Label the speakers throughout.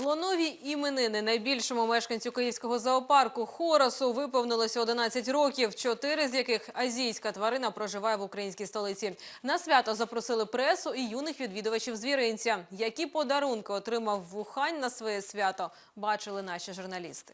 Speaker 1: Слонові іменини найбільшому мешканцю київського зоопарку Хорасу виповнилося 11 років, 4 з яких азійська тварина проживає в українській столиці. На свято запросили пресу і юних відвідувачів звіринця. Які подарунки отримав Вухань на своє свято, бачили наші журналісти.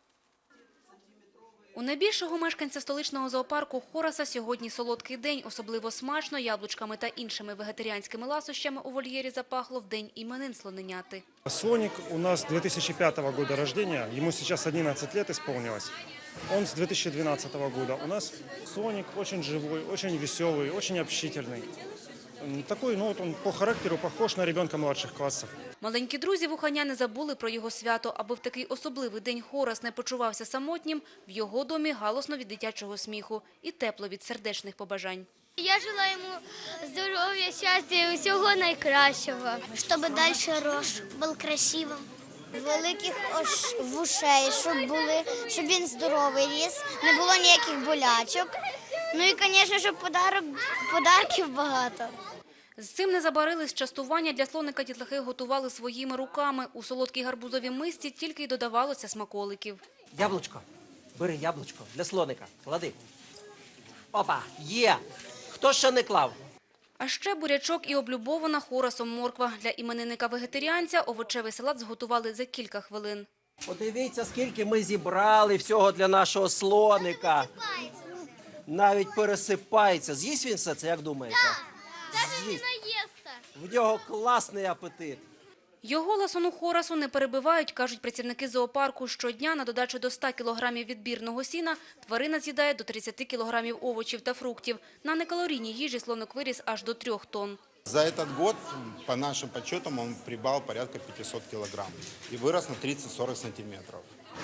Speaker 2: У найбільшого мешканця столичного зоопарку Хораса сьогодні солодкий день. Особливо смачно яблучками та іншими вегетаріанськими ласощами у вольєрі запахло в день іменин слоненяти.
Speaker 3: Слоник у нас 2005 года рождения, ему сейчас 11 лет исполнилось. Он с 2012 года. У нас слоник очень живой, очень веселый, очень общительный. Такой, он по характеру похож на ребенка младших классов.
Speaker 2: Маленькі друзі Вуханя не забули про його свято. Аби в такий особливий день Хорас не почувався самотнім, в його домі галосно від дитячого сміху і тепло від сердечних побажань.
Speaker 4: Я желаю йому здоров'я, щастя і усього найкращого.
Speaker 5: Щоб далі рос, був красивим, великих вушей, щоб він здоровий ріс, не було ніяких болячок. Ну і, звісно, щоб подарків багато.
Speaker 2: З цим не забарились. Частування для слоника дітлахи готували своїми руками. У солодкій гарбузовій мисці тільки й додавалося смаколиків.
Speaker 6: Яблучко. Бери яблучко для слоника. Клади. Опа, є. Хто ще не клав?
Speaker 2: А ще бурячок і облюбована Хорасом морква. Для іменинника-вегетаріанця овочевий салат зготували за кілька хвилин.
Speaker 6: Подивіться, скільки ми зібрали всього для нашого слоника. Навіть пересипається. З'їсть він все це, як думаєте? З'їсть. В нього класний апетит.
Speaker 2: Його ласону Хорасу не перебивають, кажуть працівники зоопарку. Щодня на додачу до 100 кілограмів відбірного сіна тварина з'їдає до 30 кілограмів овочів та фруктів. На некалорійній їжі слоник виріс аж до 3 тонн.
Speaker 7: За этот год, по нашим подсчетам, он прибавил порядка 500 килограмм и вырос на 30-40 сантиметров.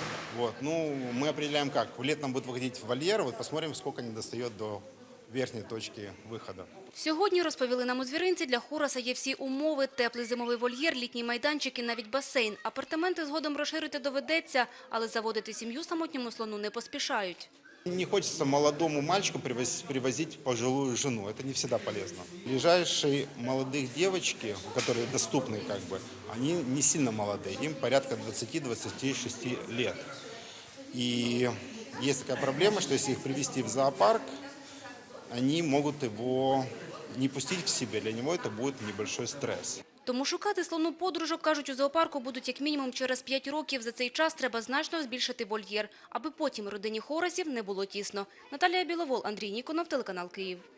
Speaker 7: Мы определяем как. В летом будет выходить в вольер, посмотрим, сколько не достает до верхней точки виходу.
Speaker 2: Сьогодні, розповіли нам у звіринці, для Хораса є всі умови. Теплий зимовий вольєр, літній майданчик і навіть басейн. Апартаменти згодом розширити доведеться, але заводити сім'ю самотньому слону не поспішають.
Speaker 7: Не хочется молодому мальчику привозить пожилую жену. Это не всегда полезно. Ближайшие молодых девочки, которые доступны, они не сильно молодые. Им порядка 20-26 лет. И есть такая проблема, что если их привезти в зоопарк, они могут его не пустить к себе. Для него это будет небольшой стресс.
Speaker 2: Тому шукати слону подружок, кажуть, у зоопарку будуть як мінімум через 5 років. За цей час треба значно збільшити вольєр, аби потім родині Хорасів не було тісно. Наталія Біловол, Андрій Ніконов, телеканал Київ.